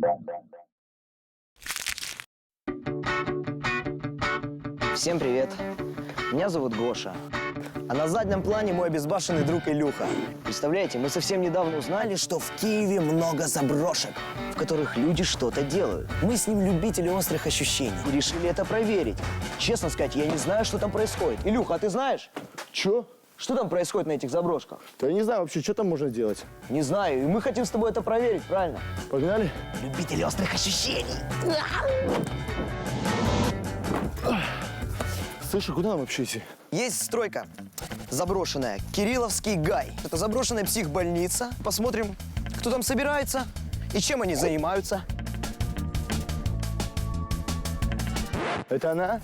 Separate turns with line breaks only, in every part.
Всем привет. Меня зовут Гоша. А на заднем плане мой обезбашенный друг Илюха. Представляете, мы совсем недавно узнали, что в Киеве много заброшек, в которых люди что-то делают. Мы с ним любители острых ощущений и решили это проверить. Честно сказать, я не знаю, что там происходит. Илюха, а ты знаешь?
Чё?
Что там происходит на этих заброшках?
Да я не знаю вообще, что там можно делать.
Не знаю, и мы хотим с тобой это проверить, правильно?
Погнали?
Любители острых ощущений.
Слушай, куда нам вообще идти?
Есть стройка заброшенная, Кирилловский гай. Это заброшенная психбольница. Посмотрим, кто там собирается и чем они занимаются.
Это она?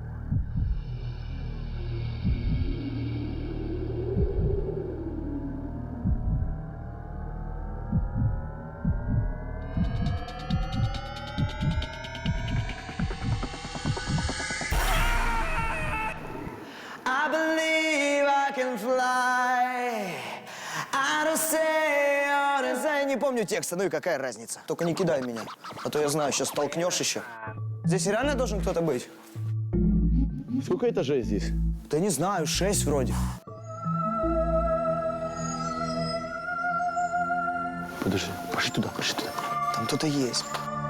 I believe I can fly. I don't say, I don't say. Не помню текста, ну и какая разница. Только не кидай меня, а то я знаю, сейчас толкнешь еще. Здесь реально должен кто-то быть?
Сколько этажей здесь?
Да не знаю, 6 вроде.
Подожди, пошли туда, пошли туда.
Там кто-то есть.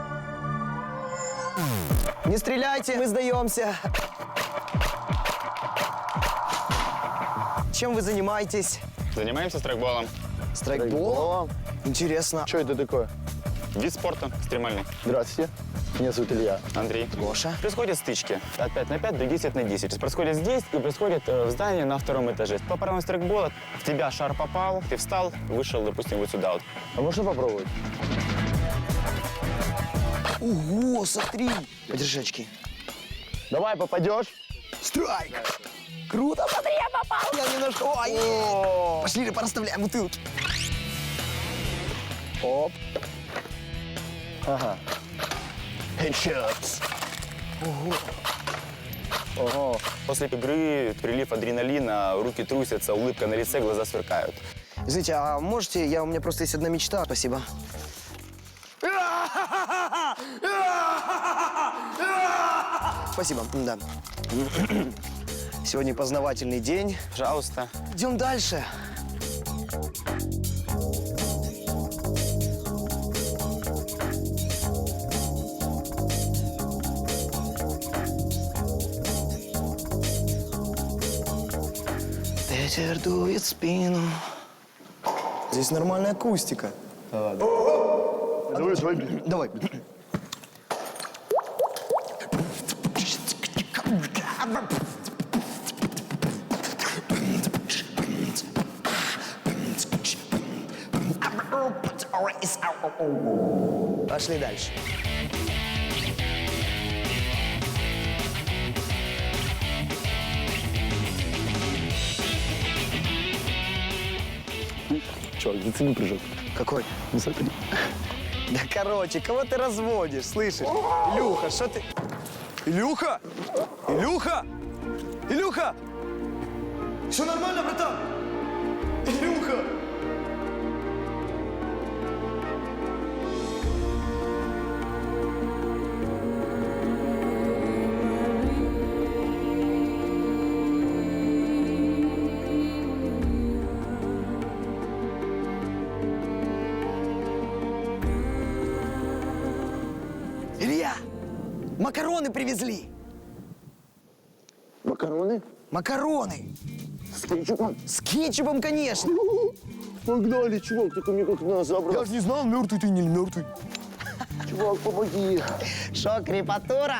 Не стреляйте, мы сдаемся. Чем вы занимаетесь?
Занимаемся страйкболом.
Страйкболом? Интересно.
Что это такое?
Вид спорта экстремальный.
Здравствуйте. Меня зовут Илья.
Андрей.
Гоша.
Происходят стычки от 5 на 5 до 10 на 10. Происходит здесь и происходит в здании на 2-м этаже. По правилам страйкбола в тебя шар попал, ты встал, вышел, допустим, вот сюда вот.
А можно попробовать?
Ого, смотри. Подержи очки.
Давай, попадешь.
Страйк! Круто, смотри, я попал! Я немножко... Ой! Пошли, порасставляем бутылки.
Оп. Ага. Headshots. Ого.
После игры прилив адреналина, руки трусятся, улыбка на лице, глаза сверкают.
Извините, а можете... У меня просто есть одна мечта. Спасибо. Спасибо, да. Сегодня познавательный день.
Пожалуйста.
Идем дальше. Ветер дует в спину. Здесь нормальная акустика.
Давай, давай.
Давай. Пошли дальше.
Чувак, зацени прыжок.
Какой?
Ну, смотри.
Да короче, кого ты разводишь, слышишь? Илюха, что ты... Илюха! Илюха! Илюха! Все нормально, братан? Илюха! Илья, макароны привезли.
Макароны?
Макароны.
С кетчупом?
С кетчупом, конечно.
Погнали, чувак, только мне как надо забрать.
Я же не знал, мертвый ты или не мертвый.
Чувак, помоги.
Шо, крепатура?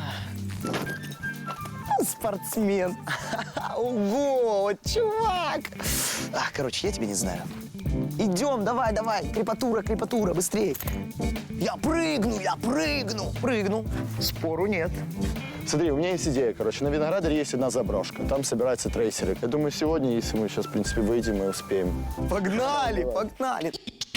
Спортсмен. Ого, вот чувак. Короче, я тебя не знаю. Идем, давай, давай. Крепатура, крепатура, быстрее. Я прыгну. Прыгну. Спору нет.
Смотри, у меня есть идея, короче. На Виноградаре есть одна заброшка. Там собираются трейсеры. Я думаю, сегодня, если мы сейчас, в принципе, выйдем, мы успеем.
Погнали, погнали.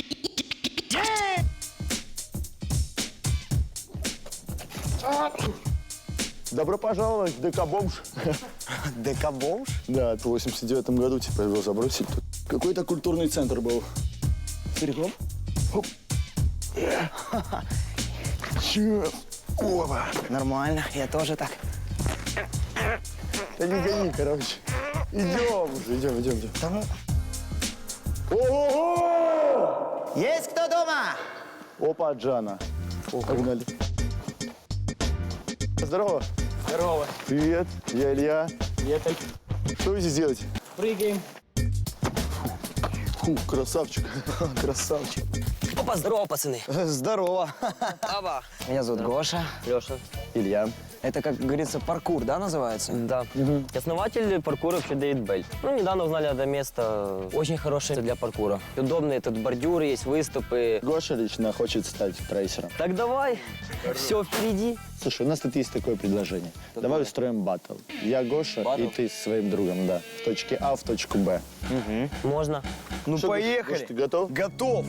Добро пожаловать в ДК-бомж.
ДК-бомж?
Да, в 89-м году, типа, его забросили тут. Какой-то культурный центр был.
Серьезно?
Сейчас. Опа.
Нормально, я тоже так.
Да не гони, короче. Идем уже, идем.
Да ну.
Ого!
Есть кто дома?
Опа, Джана. Погнали. Здорово.
Здорово.
Привет, я Илья.
Приехали.
Что вы здесь делаете?
Прыгаем.
Фу, красавчик.
Красавчик.
Опа, здорово, пацаны.
Здорово.
Аба.
Меня зовут Гоша.
Леша.
Илья.
Это, как говорится, паркур, да, называется?
Да. Основатель паркура вообще Дэвид Бель. Ну, недавно узнали это место. Очень хорошее для паркура. Удобные тут бордюры, есть выступы.
Гоша лично хочет стать трейсером.
Так давай. Все впереди.
Слушай, у нас тут есть такое предложение. Давай устроим баттл. Я Гоша,
Баттл?
и ты с своим другом, да. В точке А, в точку Б.
Можно.
Ну,
Что,
поехали.
Гош, ты готов?
Готов.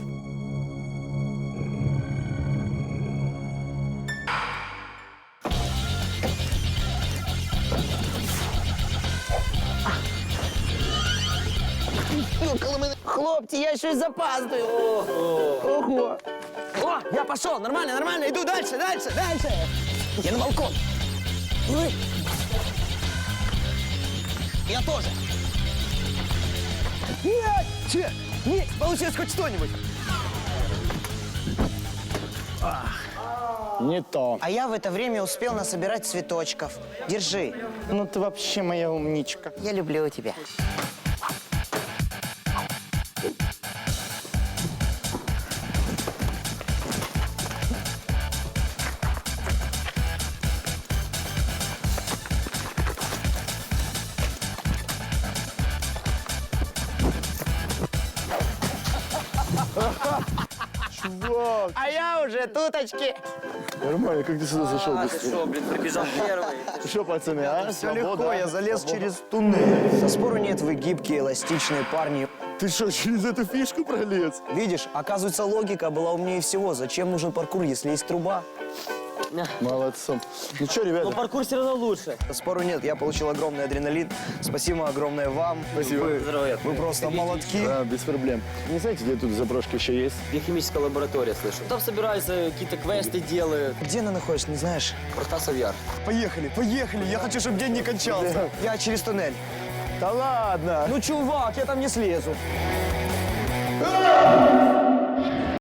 Хлопці, я щось запаздую. Ого. О, я пошел, нормально, нормально, иду дальше. Я на балкон. И вы? Я тоже. Нет, получилось хоть что-нибудь.
Не то.
А я в это время успел насобирать цветочков. Держи.
Ну ты вообще моя умничка.
Я люблю тебя.
Чувак,
А я уже туточки.
нормально, как ты сюда зашел быстро?
Что, блин, прибежал первый.
Что, пацаны, а?
Все
Свобода,
легко,
а?
я залез
Свобода.
через туннель. Со спору нет, вы гибкие, эластичные парни.
Ты что, через эту фишку пролез?
Видишь, оказывается, логика была умнее всего. Зачем нужен паркур, если есть труба?
Молодцом. Ну что, ребята?
Но паркур все равно лучше.
Спору нет, я получил огромный адреналин. Спасибо огромное вам.
Спасибо.
Здоровья.
Вы просто молодки.
Да, без проблем. Не знаете, где тут заброшки еще есть?
Биохимическая лаборатория, слышу. Там собираются, какие-то квесты делают.
Где она находится, не знаешь?
Протасов Яр.
Поехали. Я хочу, чтобы день не кончался. Я через туннель.
Да ладно!
Ну, чувак, я там не слезу.